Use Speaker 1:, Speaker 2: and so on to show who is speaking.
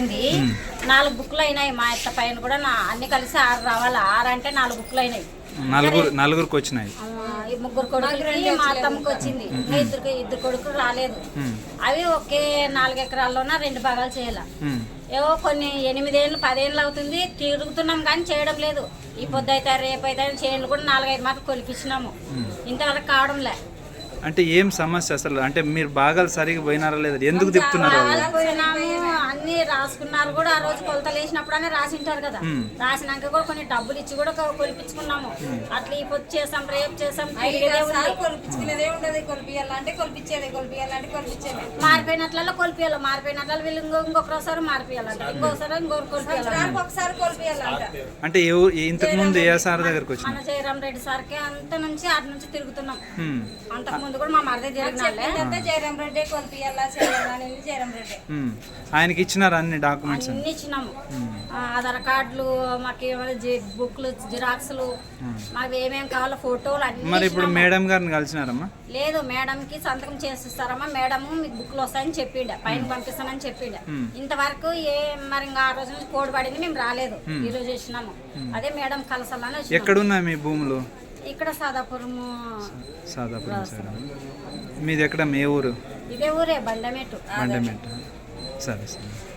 Speaker 1: అయింది. 4 బుక్లు అయినాయి. మా అత్త పైన కూడా అన్ని కలిసి 6 రావాలి. 6 అంటే 4 బుక్లు అయినాయి.
Speaker 2: నలుగురికి వచ్చినాయి.
Speaker 1: ఈ 3 కొడుకులకి మా అత్తమ్మకి వచ్చింది. ఇద్దరు కొడుకులు రాలేదు. అవి ఒకే 4 ఎకరాల్లోన 2 భాగాలు చేయాల. ఏవో కొన్ని 8 ఏళ్ళు 10 ఏళ్ళు అవుతుంది తిరుగుతున్నాం కానీ చేయడం లేదు. ఈ పొద్దు అయితే రేపు అయితే చేనులు కూడా 4-5 మాటలు కొలిపించినాము. ఇంతవరకు కావడంలే.
Speaker 2: అంటే ఏం సమస్య అసలు? అంటే మీరు భాగాలు సరిగా పోయినారా లేదా? ఎందుకు తిప్పుతున్నారు?
Speaker 1: అన్ని రాసుకున్నారు కూడా. ఆ రోజు కొలతలు వేసినప్పుడు అని రాసింటారు కదా. రాసినాక కూడా కొన్ని డబ్బులు ఇచ్చి కూడా కొలిపించుకున్నాము. అట్లా ఈ పొద్దు చేసాం రేపు చేసాం
Speaker 3: కొలిపించుకునేదే ఉండదు. కొలిపియాలంటే కొలిపించేది, కొలిపియాలంటే కొలిపించేది.
Speaker 1: మారిపోయినట్లలో కొలిపియాలి. మారిపోయినట్లు వీళ్ళు ఇంకొకసారి మారిపోయాలంట. ఇంకొకసారి ఇంకొకరు కొలిపియాలి.
Speaker 3: ఒకసారి కొలిపియాలంట.
Speaker 2: అంటే ఇంతకు ముందు ఏ సార్ దగ్గరకు వచ్చింది?
Speaker 1: మన జయరాం రెడ్డి సార్కి అంత నుంచి అటు నుంచి తిరుగుతున్నాం. అంతకు ముందు కూడా మా మరిదే జరిగిన
Speaker 3: జయరాం రెడ్డి కొలిపియాలా చేయాలని జయరాం రెడ్డి.
Speaker 2: ఆయనకి ఇచ్చినారు అన్ని డాక్యుమెంట్స్?
Speaker 1: అన్ని ఇచ్చినాము. ఆధార్ కార్డులు, మాకు బుక్లు, జిరాక్స్లు, మాకు ఏమేమి కావాలో ఫోటోలు అన్ని.
Speaker 2: మరి ఇప్పుడు మేడం గారిని కలిసినారమ్మా?
Speaker 1: లేదు, మేడంకి సంతకం చేసిస్తారమ్మా. మేడము మీకు బుక్లు వస్తాయని చెప్పిండ, పైన పంపిస్తానని చెప్పిండ. ఇంతవరకు మరి ఇంకా ఆ రోజు నుంచి కోడ్ పడింది, మేము రాలేదు. ఈ రోజు వచ్చినాము. అదే మేడం కలసాలని.
Speaker 2: ఎక్కడున్నాయి మీ భూములు?
Speaker 1: ఇక్కడ సాదాపురం
Speaker 2: సైడ్. మీది ఎక్కడ? మీ ఊరు?
Speaker 1: ఇదే ఊరే, బండమేటు.
Speaker 2: సరే సరే.